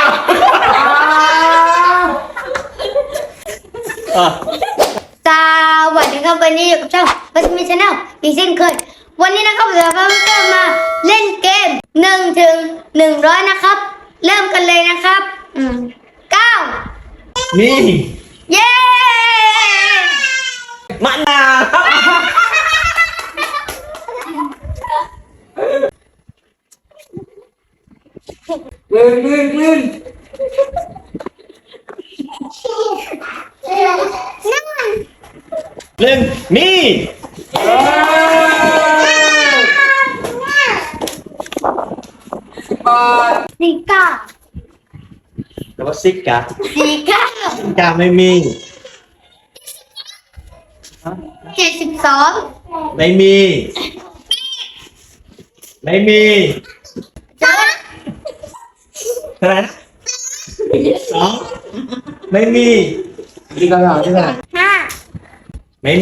สวัสดีครับวันนี้อยู่กับช่องบัสมิชแนลอีกเช่นเคยวันนี้นะครับเราจะมาเล่นเกม1 ถึง 100นะครับเริ่มกันเลยนะครับ9 นี่เย้มะนาวลื่นเล่นมีสี่เก้าแต่ว่าซิกกะสี่เก้าซิกกะไม่มี 72 ไม่มีเท่าไหร่นะ2ไม่มีที่กันหรอที่กัน 5 ไม่มี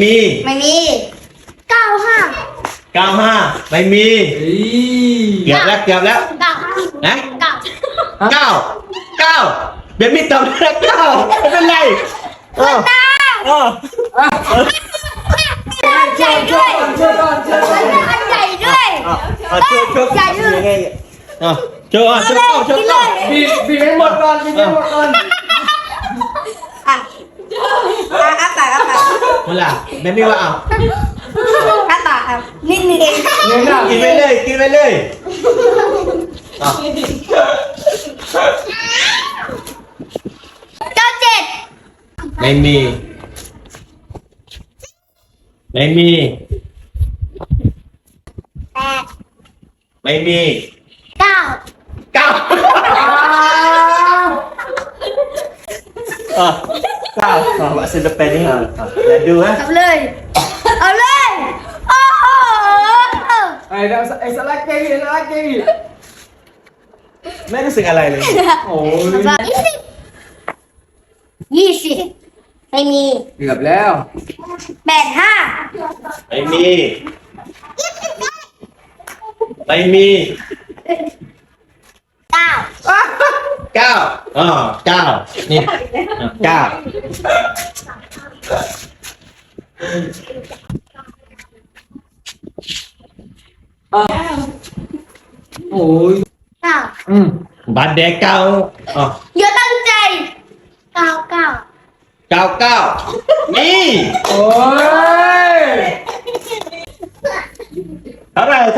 95 ไม่มีเกือบแล้วนะ9เบนมีตอบแล้ว9ไม่เป็นไรอันใหญ่ด้วยอันใหญ่ด้วยช่วยยังไงช่วยบีบให้หมดก่อนอ่ะปากเมื่อไหร่เบนมีว่าเอาปากครับนิดนึงเองกินไปเลย 97 ไม่มี 8 ไม่มี 9 9ว่าศิลปินนี่อย่าดูฮะเอาเลยโอ้โหไอ้สลักเกย์ไม่รู้สึกอะไรเลยโอ้ย 20ไม่มีเกือบแล้ว 85 ไม่มี9นี่9 โอ้ยบัตรแดง9 อย่าตั้งใจ99 นี่โอ้ยเท่าไหร่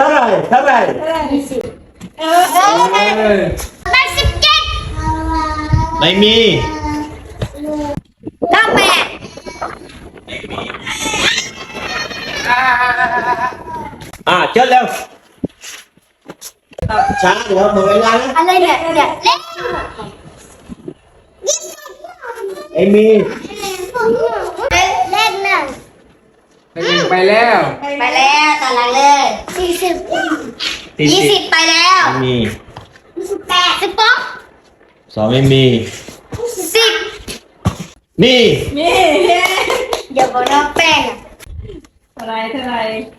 87 ไม่มีเชิญเร็วช้าเดี๋ยวหมดเวลาแล้วอะไรเนี่ยเล่นไม่มีเล่นน่ะไปแล้วตารางเลย20ไปแล้วไม่มี 18 2ไม่มี 10 นี่อย่าบอกน้องแป้งเท่าไหร่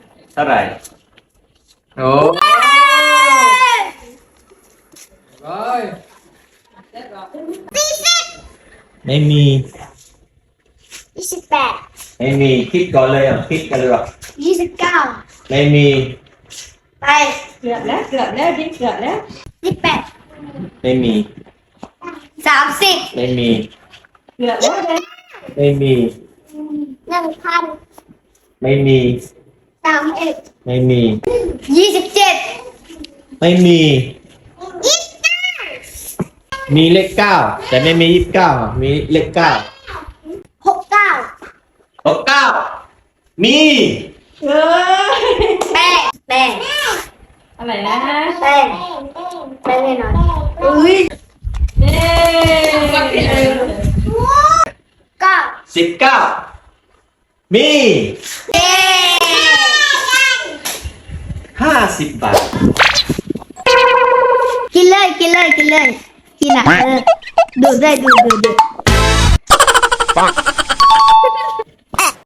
โอ้ยไม่มี 28 ไม่มีคิดก่อนเลยคิดกันเลย 29 ไม่มีไปเกือบแล้ว 18 ไม่มี 30 ไม่มีเกือบแล้วไม่มี 1,000 ไม่มี 31 ไม่มี 27 ไม่มีมีเลข9แต่ไม่มี29มีเลข9 69 มีแป้งอะไรนะแป้งแน่นอนอุ้ย 19มีเย้ 50 บาทกินเลยกินอ่ะดู